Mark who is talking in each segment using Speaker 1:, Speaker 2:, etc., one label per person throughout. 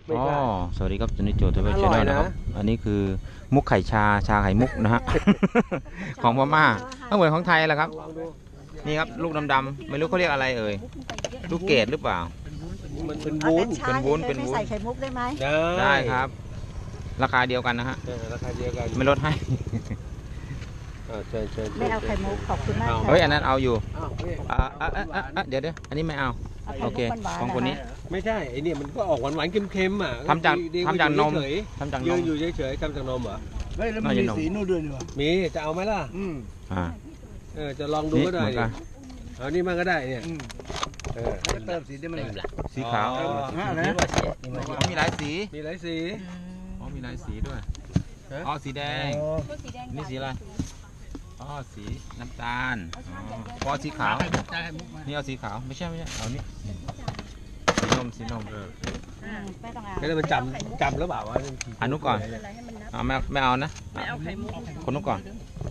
Speaker 1: อ๋อสวัสดีครับจุนิโจทวีชแนลนะครับอันนี้คือมุกไข่ชาไข่มุกนะฮะ ของพม่าก็เหมือนของไทยแหละครับนี่ครับลูกดำๆไม่รู้เขาเรียกอะไรเอ่ยลูกเกดหรือเปล่า
Speaker 2: มันเป็นวุ้น
Speaker 1: เป็นวุ้นเป็นวุ้น
Speaker 3: ใส่ไข่มุกได้ไหม
Speaker 1: ได้ครับ ราคาเดียวกันนะฮะ
Speaker 2: ราคาเดียวกัน
Speaker 1: ไม่ลดให้
Speaker 2: เชิญ
Speaker 3: ไม่เอาไข่มุกขอบคุณมากค่ะ
Speaker 1: เฮ้ยอันนั้นเอาอยู่
Speaker 2: เดี๋ยว
Speaker 1: เดี๋ยวอันนี้ไม่เอาโอเคของคนนี้
Speaker 2: ไม่ใช่ไอเนี่ยมันก็ออกหวานๆเค็มๆอ่ะ
Speaker 1: ทำจากนมทำจากน
Speaker 2: ยืน
Speaker 1: ม
Speaker 2: อยู่เฉยๆทำจากนมเหรอ
Speaker 4: เฮ้ยแล้วมันมีสีนู่นด้วยนี่วะ
Speaker 2: มีจะเอาไหมล่ะ
Speaker 1: อ่า
Speaker 2: จะลองดูก็ได้
Speaker 1: นี่เหมือนกัน
Speaker 2: เอานี่มันก็ได้เนี่ย
Speaker 4: จะเติมสีได้ไหมล่ะ
Speaker 1: สีขาว
Speaker 4: นะ
Speaker 1: มีหลายสี
Speaker 2: มีหลายสี
Speaker 1: อ๋อมีหลายสีด้วยอ๋อสีแดงนี่สีอะไรอ๋อสีน้ำตาลพอสีขาวนี่เอาสีขาวไม่ใช่เอานี่สีนม
Speaker 3: ไม่ต้องเอา
Speaker 2: ก็เลยมันจำแล้วเปล่าวะ
Speaker 1: อันนู้นก่อนไม่เอานะคนนู้นก่อน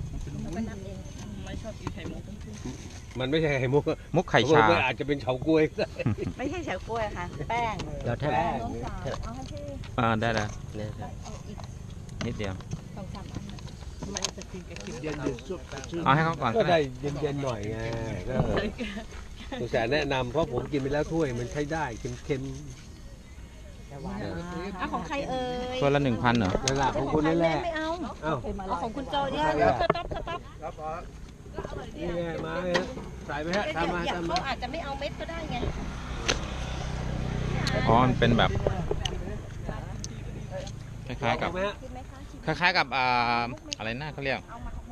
Speaker 2: มันไม่ใช่ไข่มุก
Speaker 1: มุกไข่ชา
Speaker 2: มันอาจจะเป็นเฉาก๊วยก็ได้
Speaker 3: ไม่ใช่เฉาก๊วยค่ะ แป้ง
Speaker 1: แล้วแทบ
Speaker 3: แป้งน้องสาวเอาให้ที่
Speaker 1: ได้แล้วนิดเดียว
Speaker 3: สองสามอันมันจะกินกับกิน
Speaker 4: เย็นดิสุดชื่น
Speaker 1: เอาให้เขาก่อน
Speaker 2: ก็
Speaker 1: ก็
Speaker 2: ได้
Speaker 1: ได้
Speaker 2: เย็นๆหน่อยไงก็ตัวแสนแนะนำเพราะผมกินไปแล้วถ้วยมันใช้ได้เค็ม
Speaker 3: เอาของใครเอ่ย
Speaker 1: ตัวละ 1,000เหรอ
Speaker 2: ๆนั่นแหละของคุณนั่นแหละ
Speaker 3: ไม่เอา
Speaker 2: เอ้า
Speaker 3: เอาของคุณโจเนี่ยสต๊อป
Speaker 2: นี่ไงมาเลยใส่ไปฮะทำมา
Speaker 3: เขาอาจจะไม่เอาเม็ดก็ได้ไง
Speaker 1: อ๋อมันเป็นแบบคล้ายๆกับ
Speaker 2: ไหมฮะ
Speaker 1: คล้ายๆกับอะไรนะเขาเรียก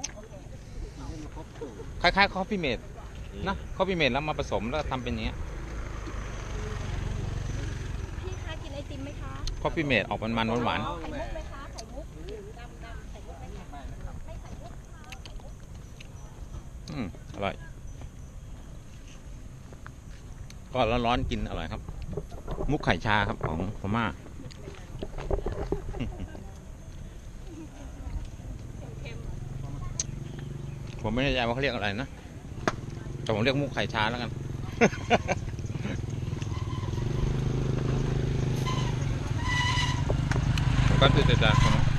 Speaker 1: คล้ายๆคอฟฟี่เมดนะคอฟฟี่เมดแล้วมาผสมแล้วทำเป็นอย่างเงี้ย
Speaker 3: พี่คะกินไอติมไหมคะ
Speaker 1: คอฟฟี่เมดออกมันๆหวาน
Speaker 3: ไข่มุกไหมคะไข่มุกดำไข่มุกไหมคะไม่ไข่มุก
Speaker 1: อร่อยก็ร้อนๆกินอร่อยครับ มุกไข่ชาครับของพม่า ผมไม่แน่ใจว่าเขาเรียกอะไรนะแต่ผมเรียกมุกไข่ชาแล้วกัน ผมก็ตื่นใจ